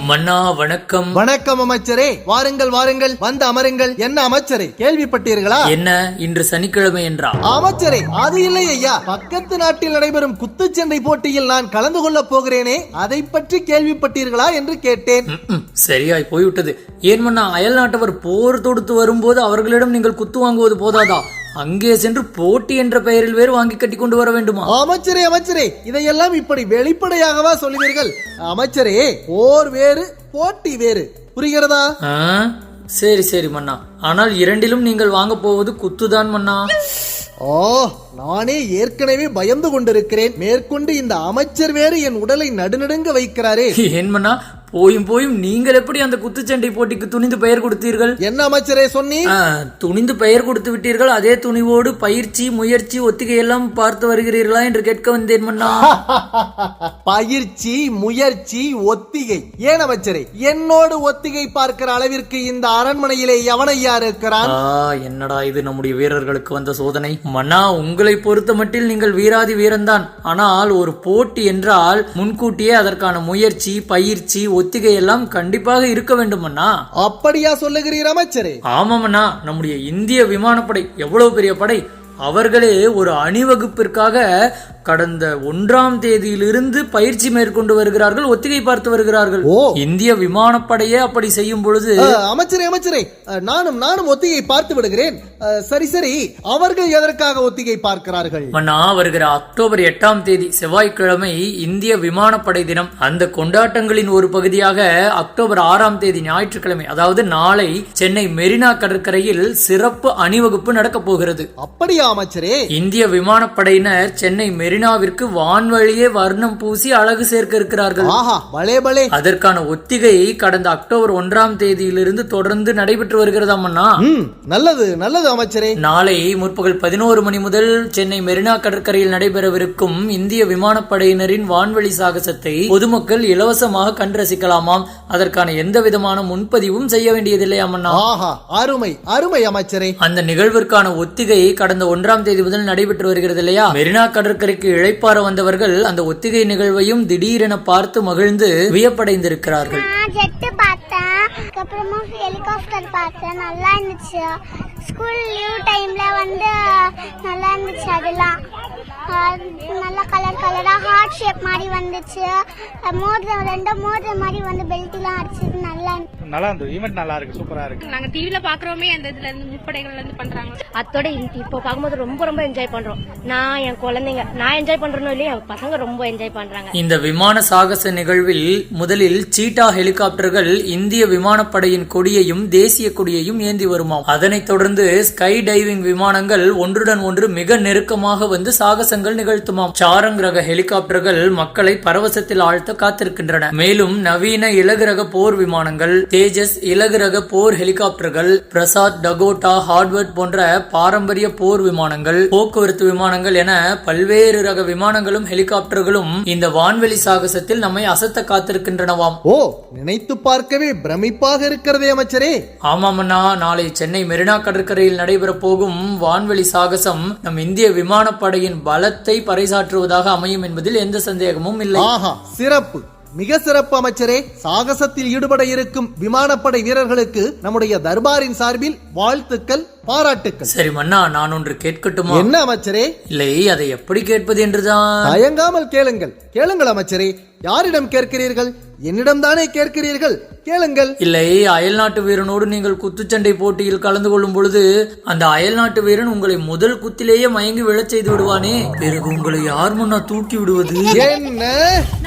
மன்னா வணக்கம். வணக்கம் அமைச்சரே, வாருங்கள் வாருங்கள், வந்து அமருங்கள். என்ன அமைச்சரே, கேள்விப்பட்டீர்களா? என்ன இன்று சனிக்கிழமை என்றா? அமைச்சரே, அது இல்லை ஐயா, பக்கத்து நாட்டில் நடைபெறும் குத்துச்சண்டை போட்டியில் நான் கலந்து கொள்ள போகிறேனே, அதை பற்றி கேள்விப்பட்டீர்களா என்று கேட்டேன். சரியாய் போய்விட்டது. ஏன் மன்னா, அயல் நாட்டவர் போர் தொடுத்து வரும்போது அவர்களிடம் நீங்கள் குத்து வாங்குவது போதாதா? அங்கே சென்று போட்டி என்ற பெயரில் வேறு வாங்கி கட்டி கொண்டு வர வேண்டுமா? அமைச்சரே அமைச்சரே, இதையெல்லாம் இப்படி வெளிப்படையாகவா சொல்லுவீர்கள்? அமைச்சரே, போர் வேறு போட்டி வேறு, புரிகிறதா? சரி சரி மன்னா, ஆனால் இரண்டிலும் நீங்கள் வாங்க போவது குத்துதான் மன்னா. ஓ, நானே ஏற்கனவே பயந்து கொண்டிருக்கிறேன். மேற்கொண்டு இந்த அமைச்சர் வேறு என் உடலை நடுநடுங்க வைக்கிறாரே. ஏன் மன்னா, போயும் போயும் நீங்கள் எப்படி அந்த குத்துச்சண்டை போட்டிக்கு துணிந்து பெயர் கொடுத்தீர்கள்? என்ன அமைச்சரே சொன்னீர்? துணிந்து பெயர் கொடுத்து விட்டீர்கள். அதே துணிவோடு பயிற்சி, முயற்சி, ஒத்திகை எல்லாம் பார்த்து வருகிறீர்களா என்று கேட்க வந்தேன் மன்னா. பயிற்சி, முயற்சி, ஒத்திகை? ஏன் அமைச்சரே, என்னோடு ஒத்திகை பார்க்கிற அளவிற்கு இந்த அரண்மனையிலே எவனையா இருக்கிறான்? என்னடா இது, நம்முடைய வீரர்களுக்கு வந்த சோதனை. மன்னா, உங்களை பொறுத்த மட்டில் நீங்கள் வீராதி வீரன்தான். ஆனால் ஒரு போட்டி என்றால் முன்கூட்டியே அதற்கான முயற்சி, பயிற்சி, ஒத்திகை எல்லாம் கண்டிப்பாக இருக்க வேண்டும் அண்ணா. அப்படியா சொல்லுகிறீர் அமைச்சரே? ஆமாமண்ணா, நம்முடைய இந்திய விமானப்படை எவ்வளவு பெரிய படை. அவர்களே ஒரு அணிவகுப்பிற்காக கடந்த 1ஆம் தேதியிலிருந்து பயிற்சி மேற்கொண்டு வருகிறார்கள், ஒத்திகை பார்த்து வருகிறார்கள். இந்திய விமானப்படையே அப்படி செய்யும் பொழுது அமைச்சரே அமைச்சரே, நானும் ஒத்திகை பார்த்து விடுகிறேன். சரி சரி, அவர்கள் எதற்காக ஒத்திகை பார்க்கிறார்கள்? மன்னா, வருகிற அக்டோபர் 8ஆம் தேதி செவ்வாய்க்கிழமை இந்திய விமானப்படை தினம். அந்த கொண்டாட்டங்களின் ஒரு பகுதியாக அக்டோபர் 6ஆம் தேதி ஞாயிற்றுக்கிழமை, அதாவது நாளை, சென்னை மெரினா கடற்கரையில் சிறப்பு அணிவகுப்பு நடக்க போகிறது. அப்படியா அமைச்சரே? இந்திய விமானப்படையினர் சென்னை மெரினாவிற்கு வான்வழியே வர்ணம் பூசி அழகு சேர்க்க இருக்கிறார்கள். அதற்கான ஒத்திகை கடந்த அக்டோபர் 1ஆம் தேதியிலிருந்து தொடர்ந்து நடைபெற்று வருகிறதாமண்ணா. நல்லது நல்லது அமைச்சரே. நாளை முற்பகல் 11 மணி முதல் சென்னை மெரினா கடற்கரையில் நடைபெறவிருக்கும் இந்திய விமானப்படையினரின் வான்வழி சாகசத்தை பொதுமக்கள் இலவசமாக கண்டு ரசிக்கலாமாம். அதற்கான எந்த விதமான முன்பதிவும் செய்ய வேண்டியதில்லையாமண்ணா. அருமை அருமை அமைச்சரே. அந்த நிகழ்விற்கான ஒத்திகை கடந்த 1ஆம் தேதி முதல் நடைபெற்று வருகிறது இல்லையா? மெரினா கடற்கரைக்கு இழைப்பார வந்தவர்கள் அந்த ஒத்திகை நிகழ்வையும் திடீரென பார்த்து மகிழ்ந்து வியப்படைந்திருக்கிறார்கள். ஹெலிகாப்டர் பார்த்தேன், நல்லா இருந்துச்சு. ஸ்கூல் லீவ் டைம்ல வந்து நல்லா இருந்துச்சு. அதெல்லாம் நல்லா கலர் கலரா ஹார்ட் ஷேப் மாதிரி வந்துச்சு. ரெண்டு மோதிரம் மாதிரி வந்து பெல்ட் எல்லாம் அடிச்சது. நல்லா இருந்தது. ஈவென்ட் நல்லா இருக்கு, சூப்பரா இருக்கு. நாங்க டிவில பாக்குறோமே, அந்த இதுல இருந்து முப்படைகள்ல இருந்து பண்றாங்க. அத்தோட இப்போ பார்க்கும்போது ரொம்ப ரொம்ப என்ஜாய் பண்றோம். நான் என் குழந்தைங்க, நான் என்ஜாய் பண்றேனோ இல்லையா, பசங்க ரொம்ப என்ஜாய் பண்றாங்க. இந்த விமான சாகச நிகழ்வில் முதலில் சீட்டா ஹெலிகாப்டர்கள் இந்திய விமானப்படையின் கொடியையும் தேசிய கொடியையும் ஏந்தி வருமாம். அதனைத் தொடர்ந்து ஸ்கை டைவிங் விமானங்கள் ஒன்றுடன் ஒன்று மிக நெருக்கமாக வந்து சாகசங்கள் நிகழ்த்துமாம். சாரங் ரக ஹெலிகாப்டர்கள் மக்களை பரவசத்தில் ஆழ்த்த காத்திருக்கின்றன. மேலும் நவீன இலகு ரக போர் விமானங்கள், தேஜஸ் இலகு ரக போர் ஹெலிகாப்டர்கள், பிரசாத், டகோட்டா, ஹார்வர்ட் போன்ற பாரம்பரிய போர் விமானங்கள், போக்குவரத்து விமானங்கள் என பல்வேறு ரக விமானங்களும் ஹெலிகாப்டர்களும் இந்த வான்வெளி சாகசத்தில் நம்மை அசத்த காத்திருக்கின்றனவாம். நினைத்து பார்க்கவே பிரமிப்பாக இருக்கிறதே அமைச்சரே. ஆமாமண்ணா, நாளை சென்னை மெரினா கடற்கரையில் நடைபெற போகும் வான்வெளி சாகசம் நம் இந்திய விமானப்படையின் பலத்தை பறைசாற்றுவதாக அமையும் என்பதில் எந்த சந்தேகமும் இல்லை. சிறப்பு, மிக சிறப்பு அமைச்சரே. சாகசத்தில் ஈடுபட இருக்கும் விமானப்படை வீரர்களுக்கு நம்முடைய தர்பாரின் சார்பில் வாழ்த்துக்கள், பாராட்டுக்கள். சரி மன்னா, நான் ஒன்று கேட்கட்டுமா? என்ன அமைச்சரே? இல்லை, அதை எப்படி கேட்பது என்றுதான். தயங்காமல் கேளுங்கள், கேளுங்கள் அமைச்சரே. யாரிடம் கேட்கிறீர்கள்? என்னிடம் தானே கேட்கிறீர்கள், கேளுங்கள். இல்லை, அயல் நாட்டு வீரனோடு நீங்கள் குத்துச்சண்டை போட்டியில் கலந்து கொள்ளும் பொழுது அந்த அயல் நாட்டு வீரன் உங்களை முதல் குத்திலேயே மயங்கி விழச் செய்து விடுவானே, பிறகு உங்களை யார் முன்னா தூக்கி விடுவது? என்ன